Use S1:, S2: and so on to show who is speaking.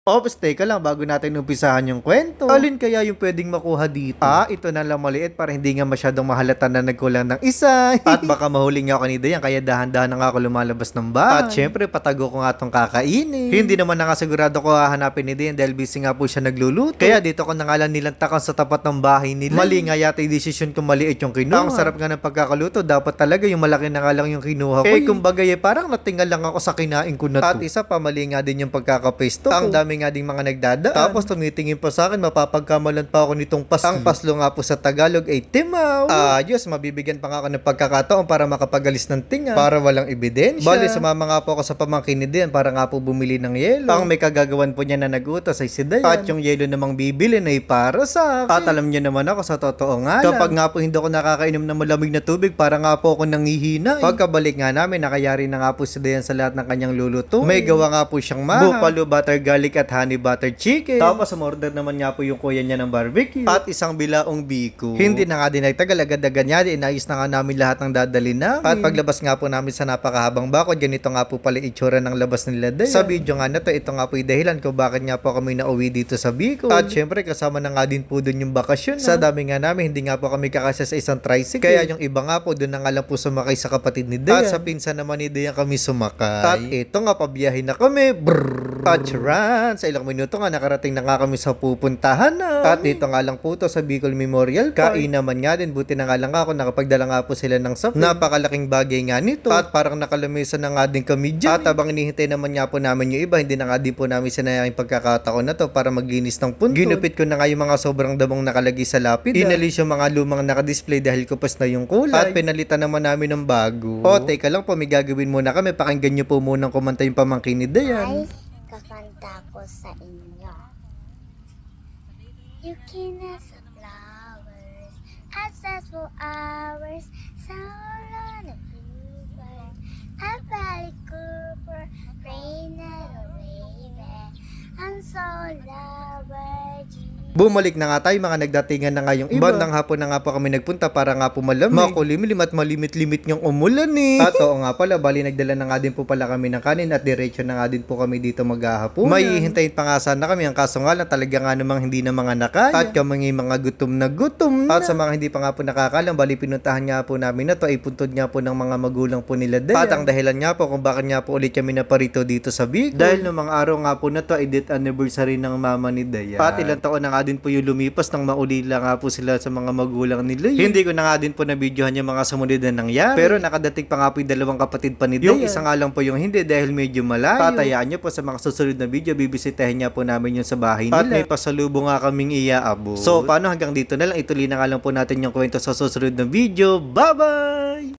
S1: Ops, teka lang bago natin umpisahan yung kwento. Alin kaya yung pwedeng makuha dito? Ito na lang maliit para hindi nga masyadong mahalata na nagkulang ng isa. At baka mahuli nga ako ni Dayan kaya dahan-dahan na nga ako lumalabas ng bahay. At syempre patago ko nga tong kakainin. Hindi naman nakasigurado ko hahanapin ni Dayan dahil busy nga po siya nagluluto. Kaya dito ko na nga lang nilantakan sa tapat ng bahay nila. Mali nga yata yung desisyon kung maliit yung kinuha. Ang sarap nga ng pagkakaluto, dapat talaga yung malaki na nga lang yung kinuha ko. Kumbaga parang natingal lang ako sa kinain ko na to. At isa pa, mali nga din yung pagkakapesto. Ang dami nga ding mga nagdadaan. Tapos tumitingin pa sa akin, mapapagkamalan pa ako nitong paslo. Ang paslo nga po sa Tagalog ay timaw. Ayos, mabibigyan pa nga ako ng pagkakataon para makapagalis ng tinga. Para walang ebidensya. Bali, sumama nga po ako sa pamangkin ni Dayan para nga po bumili ng yelo. Ang may kagagawan po niya na nagutos ay si Dayan. At yung yelo namang bibili ay para sa akin. At alam niya naman ako sa totoo nga lang. Kapag nga po hindi ako nakakainom ng malamig na tubig, para nga po ako nangihina. Pagkabalik nga namin, nakayari na nga po si Dayan sa lahat ng kanyang luluto. May gawa nga po siyang buffalo butter garlic at honey butter chicken. Tapos umorder naman nga po yung kuya niya ng barbecue. At isang bilaong biko. Hindi na nga din nagtagal, agad-agad niya din. Inayos na nga namin lahat ng dadali namin. At paglabas nga po namin sa napakahabang bakod, ganito nga po pala itsura ng labas nila Dayan. Sa video nga na to, ito nga po yung dahilan kung bakit nga po kami nauwi dito sa Bicol. At syempre kasama na nga din po dun yung bakasyon. Sa dami nga namin, hindi nga po kami kakasya sa isang tricycle. Kaya yung iba nga po, dun na nga lang po sumakay sa kapatid ni Dayan. At sa pinsan naman ni Dayan kami sumakay. At ito nga, pabiyahin na kami. Brrrr. At sa ilang minuto nga nakarating na nga kami sa pupuntahan na. At dito nga lang po to sa Bicol Memorial Park. Kain naman nga din, buti na nga lang ako, nakapagdala nga po sila ng sapin. Napakalaking bagay nga nito. At parang nakalamesa na nga din kami dyan. At habang inihintay naman nga po namin yung iba, hindi na nga din po namin sinayang pagkakataon na to para maglinis ng puntod. Ginupit ko na nga yung mga sobrang damong nakalagay sa lapid. Inalis yung mga lumang nakadisplay dahil kupas na yung kulay. At pinalitan naman namin ng bago. Teka lang po, may gagawin muna kami. Pakinggan nyo po munang kumanta yung pamangkin ni Dayan.
S2: Kakanta ko sa inyo. You can ask flowers, access for hours, sound on the river, a valley cooper, rain and a raven, I'm so loved.
S1: Bumalik na nga tayo, mga nagdatingan na nga yung iba. Bandang hapon na nga po kami nagpunta para nga po malamig. Makulimlim at malimit-limit yung umulan eh. At oo nga pala, bali nagdala na nga din po pala kami ng kanin at diretso na nga din po kami dito maghahaponan. May hihintayin pa nga sana kami, ang kaso nga lang talaga nga namang hindi na mga nakaya. At kami mga gutom na gutom na. At sa mga hindi pa nga po nakakalam, bali pinuntahan nga po namin na to ay puntod nga po ng mga magulang po nila Dayan. At ang dahilan nga po kung bakit nga po ulit kami naparito dito sa Bicol. Dahil noong mga araw nga po na to ay death anniversary ng mama ni Dayan. At ilang taon na nga din po yung lumipas nang maulila nga po sila sa mga magulang nila. Hindi ko na nga din po na-videohan yung mga sumunod na nangyari. Pero nakadating pa nga po yung dalawang kapatid pa ni Dayan. Yung isa nga lang po yung hindi dahil medyo malayo. Tatayaan nyo po sa mga susunod na video, bibisitahin niya po namin yung sa bahay nila. At may pasalubong nga kaming iaabot. So paano, hanggang dito na lang. Ituloy na nga lang po natin yung kwento sa susunod na video. Bye-bye!